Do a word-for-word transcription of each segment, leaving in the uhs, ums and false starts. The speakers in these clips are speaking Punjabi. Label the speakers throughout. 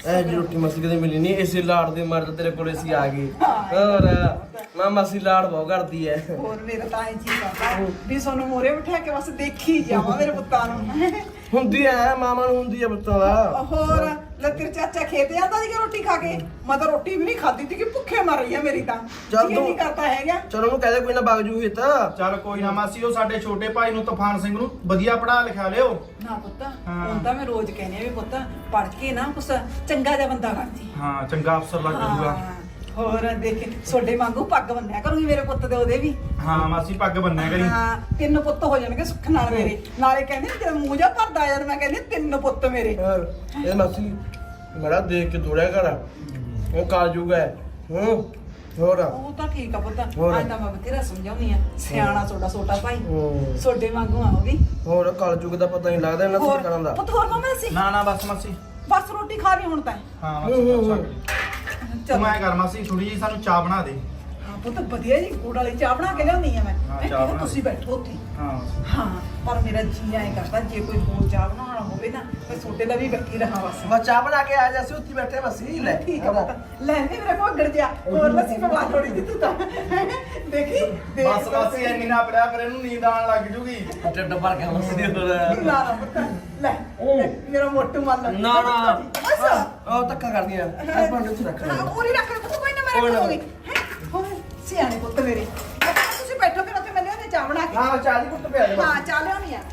Speaker 1: ਐ ਜੀ ਰੋਟੀ ਮਾਸੀ ਕਦੇ ਮਿਲੀ ਨਹੀਂ, ਇਸੇ ਲਾੜ ਦੇ ਮਾਰੇ ਤਾਂ ਤੇਰੇ ਕੋਲੇ ਅਸੀਂ ਆ ਗਏ। ਹੋਰ ਮਾਂ ਮਾਸੀ ਲਾੜ ਬਹੁਤ ਕਰਦੀ ਐ।
Speaker 2: ਹੋਰ ਮੇਰਾ ਤਾਂ ਐ ਜੀ ਕਰਦਾ ਵੀ ਸਾਨੂੰ ਮੋਰੇ ਬਿਠਾ ਕੇ ਬਸ ਦੇਖੀ ਜਾਵਾਂ ਮੇਰੇ ਪੁੱਤਾਂ ਨੂੰ।
Speaker 1: ਹੁੰਦੀ ਐ ਮਾਮਾ ਨੂੰ, ਹੁੰਦੀ ਐ ਪੁੱਤਾਂ ਦਾ।
Speaker 2: ਹੋਰ ਲੈ ਤੇਰੇ ਚਾਚਾ ਖੇਤ ਜਾਂਦਾ ਸੀ ਕਿ ਰੋਟੀ ਖਾ ਕੇ, ਮੈਂ ਤਾਂ ਰੋਟੀ ਵੀ ਨਹੀਂ ਖਾਦੀ ਸੀ ਕਿ ਭੁੱਖੇ ਮਰ ਰਹੀ ਆ ਮੇਰੀ ਤਾਂ।
Speaker 1: ਚੱਲ
Speaker 2: ਜੀ
Speaker 1: ਤੂੰ-
Speaker 2: ਨਹੀਂ ਕਰਦਾ ਹੈਗਾ।
Speaker 1: ਚਲੋ ਉਹਨੂੰ ਕਹਿ ਦੇ ਕੋਈ ਨਾ ਵਗ ਜੂਗੀ ਤਾਂ।
Speaker 3: ਚੱਲ ਕੋਈ ਨਾ ਮਾਸੀ, ਉਹ ਸਾਡੇ ਛੋਟੇ ਭਾਈ ਨੂੰ ਤੂਫਾਨ ਸਿੰਘ ਨੂੰ ਵਧੀਆ ਪੜ੍ਹਾ ਲਿਖਾ ਲਿਓ।
Speaker 2: ਨਾ ਪੁੱਤ
Speaker 3: ਹਾਂ।
Speaker 2: ਹੁਣ ਤਾਂ ਮੈਂ ਰੋਜ਼ ਕਹਿੰਦੀ ਆ ਵੀ ਪੁੱਤ ਪੜ ਕੇ ਨਾ ਕੁਛ ਚੰਗਾ ਜਿਹਾ ਬੰਦਾ ਬਣ ਜੀ।
Speaker 3: ਹਾਂ ਚੰਗਾ ਅਫਸਰ ਲੱਗ ਜਾਊਗਾ।
Speaker 2: ਹਾਂ, ਹੋਰ ਦੇਖ ਛੋਡੇ ਵਾਂਗੂ ਪੱਗ ਬੰਨਿਆ ਕਰੂਗੀ ਮੇਰੇ ਪੁੱਤ ਦੇ ਉਹਦੇ ਵੀ।
Speaker 3: ਹਾਂ ਮਾਸੀ ਪੱਗ ਬੰਨਿਆ ਕਰੀ।
Speaker 2: ਹਾਂ ਤਿੰਨ ਪੁੱਤ ਹੋ ਜਾਣਗੇ ਸੁੱਖ ਨਾਲ ਮੇਰੇ। ਨਾਲੇ ਕਹਿੰਦੇ ਜਦ ਮੂੰਹ ਜਾ ਭਰਦਾ ਜਦ ਮੈਂ ਕਹਿੰਦੀ ਤਿੰਨ ਪੁੱਤ ਮੇਰੇ।
Speaker 1: ਹੋਰ ਇਹ ਮਾਸੀ ਮੇਰਾ ਦੇਖ ਕੇ ਦੋੜਿਆ ਕਰ, ਉਹ ਕਾਲ ਜੂਗਾ। ਹੂੰ ਹੋਰ
Speaker 2: ਉਹ ਤਾਂ ਠੀਕ ਆ ਪੁੱਤ,
Speaker 1: ਹੋਰ।
Speaker 2: ਅੱਜ ਤਾਂ ਮੈਂ ਬਥੇਰਾ ਸਮਝਾਉਣੀ ਆ। ਸਿਆਣਾ ਛੋਟਾ ਛੋਟਾ ਭਾਈ
Speaker 1: ਹੂੰ।
Speaker 2: ਛੋਡੇ ਵਾਂਗੂ ਆ ਉਹ ਵੀ।
Speaker 1: ਹੋਰ ਕਾਲ ਜੂਗ ਦਾ ਪਤਾ ਨਹੀਂ ਲੱਗਦਾ ਇਹਨਾਂ
Speaker 2: ਹੋਰ
Speaker 1: ਸਰਕਾਰਾਂ ਦਾ।
Speaker 2: ਪੁੱਤ ਹੋਰ ਮਾਮਾ ਸੀ
Speaker 3: ਨਾ ਨਾ ਬਸ ਮਾਸੀ।
Speaker 2: ਬਸ ਰੋਟੀ ਖਾ ਲਈ ਹੁਣ ਤਾਂ।
Speaker 3: ਹਾਂ
Speaker 1: ਹੂੰ, ਹੂੰ,
Speaker 3: ਮਾਸੀ
Speaker 1: ਹੂੰ।
Speaker 3: ਤੂੰ
Speaker 2: ਚਲ
Speaker 3: ਮੈਂ ਕਰ ਮਾਸੀ, ਥੋੜੀ ਜੀ ਸਾਨੂੰ ਚਾਹ ਬਣਾ ਦੇ।
Speaker 2: ਹਾਂ ਪੁੱਤ ਵਧੀਆ ਜੀ ਗੁੜ ਵਾਲੀ ਚਾਹ ਬਣਾ ਕੇ ਲਿਆਉਣੀ ਆ ਮੈਂ।
Speaker 3: ਹਾਂ,
Speaker 2: ਹੈਂ,
Speaker 3: ਚਾਹ ਬਣਾ
Speaker 2: ਤੁਸੀਂ ਬੈਠੋ ਉੱਥੇ।
Speaker 3: ਹਾਂ
Speaker 2: ਹਾਂ ਪਰ ਮੇਰਾ ਜੀ ਐਂ ਕਰਦਾ ਜੇ ਕੋਈ ਹੋਰ ਚਾਹ ਬਣਾਉਣਾ ਹੋਵੇ ਨਾ ਮੈਂ ਛੋਟੇ ਦਾ ਵੀ ਬੈਠੀ ਰਹਾ ਬਸ।
Speaker 1: ਬਸ ਚਾਹ ਬਣਾ ਕੇ ਆ ਜਾ, ਅਸੀਂ ਉੱਥੇ ਬੈਠੇ ਮਾਸੀ। ਲੈ
Speaker 2: ਠੀਕ ਆ ਪੁੱਤ ਲੈ ਨਹੀਂ ਮੇਰੇ ਕੋਲ ਗੜ ਜਾ ਹੋਰ ਲੱਸੀ ਪਵਾ ਥੋੜੀ ਜਿਹੀ ਤੂੰ ਤਾਂ। ਦੇਖੀ ਦੇਖ
Speaker 3: ਬਸ ਮਾਸੀ ਇੰਨੀ ਨਾ ਪੜਿਆ ਕਰ, ਇਹਨੂੰ ਨੀਂਦ ਆਣ ਲੱਗ ਜੂਗੀ।
Speaker 1: ਢਿੱਡ ਭਰ ਗਿਆ ਮਾਸੀ ਦੇ ਹੋਰ।
Speaker 2: ਨਾ ਨਾ ਪੁੱਤ ਲੈ ਲੈ, ਮੇਰਾ ਮੋਟੂ ਮੰਨ
Speaker 1: ਨਾ ਨਾ
Speaker 2: ਅੱਛਾ
Speaker 1: ਉਹ ਧੱਕਾ ਕਰਦੀਆਂ ਆ ਭਾਂਡੇ ਉੱਥੇ ਰੱਖ
Speaker 2: ਹਾਂ
Speaker 1: ਲੈ।
Speaker 2: ਪੂਰੀ ਰੱਖ ਲੈ ਪੁੱਤ, ਕੋਈ ਨਾ ਮੈਂ
Speaker 1: ਕੋਈ ਨਾ।
Speaker 2: ਰੱਖੂਗੀ। ਹੈਂ, ਹੋਰ ਸਿਆਣੇ ਪੁੱਤ ਮੇਰੇ। ਅੱਛਾ, ਤੁਸੀਂ ਬੈਠੋ ਫਿਰ ਉੱਥੇ ਮੈਂ ਲਿਆਉਣੀ ਚਾਹ ਬਣਾ ਕੇ।
Speaker 1: ਹਾਂ ਚਾਹ ਦੀ ਕੁੱਟ ਪਿਆ ਦੇ
Speaker 2: ਹਾਂ ਚਾਹ ਲਿਆਉਣੀ ਆ।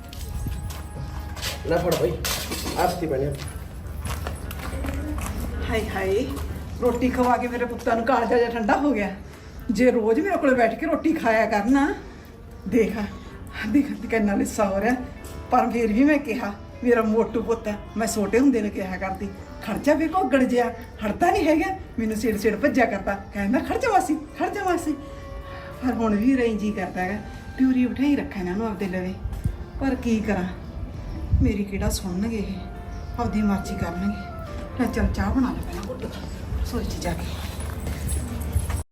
Speaker 1: ਲੈ ਫੜ ਬਈ ਆਸਤੀ ਬਣੇ।
Speaker 2: ਹਾਏ ਹਾਏ ਰੋਟੀ ਖਵਾ ਕੇ ਮੇਰੇ ਪੁੱਤਾਂ ਨੂੰ ਕਾਲਜਾ ਜਿਹਾ ਠੰਡਾ ਹੋ ਗਿਆ। ਜੇ ਰੋਜ਼ ਮੇਰੇ ਕੋਲੇ ਬੈਠ ਕੇ ਰੋਟੀ ਖਾਇਆ ਕਰਨਾ। ਦੇਖ ਦੇਖ ਕਿੰਨਾ ਲਿੱਸਾ ਹੋ ਰਿਹਾ। ਪਰ ਫਿਰ ਵੀ ਮੈਂ ਕਿਹਾ ਮੇਰਾ ਮੋਟੂ ਪੁੱਤ ਹੈ, ਮੈਂ ਛੋਟੇ ਹੁੰਦੇ ਨੇ ਕਿਹਾ ਕਰਦੀ ਖਰਚਾ ਵੀ ਘੋਗੜ ਜਿਆ ਹੜਦਾ ਨਹੀਂ ਹੈਗਾ। ਮੈਨੂੰ ਸਿਰ ਸਿਰ ਭੱਜਿਆ ਕਰਦਾ, ਕਹਿੰਦਾ ਖਰਚਾ ਵਾਸੀ ਖਰਚਾ ਵਾਸੀ। ਪਰ ਹੁਣ ਵੀ ਰਹੀ ਜੀ ਕਰਦਾ ਹੈਗਾ ਪਿਉਰੀ ਬਿਠਾਈ ਰੱਖਾਂ ਇਹਨਾਂ ਨੂੰ ਆਪਦੇ ਲਵੇ। ਪਰ ਕੀ ਕਰਾਂ, ਮੇਰੀ ਕਿਹੜਾ ਸੁਣਨਗੇ ਇਹ, ਆਪਦੀ ਮਰਜ਼ੀ ਕਰਨਗੇ। ਲੈ ਚੱਲ ਚਾਹ ਬਣਾ ਲੈ ਪਹਿਲਾਂ ਘੁੱਟ ਰਸੋਈ 'ਚ ਜਾ ਕੇ।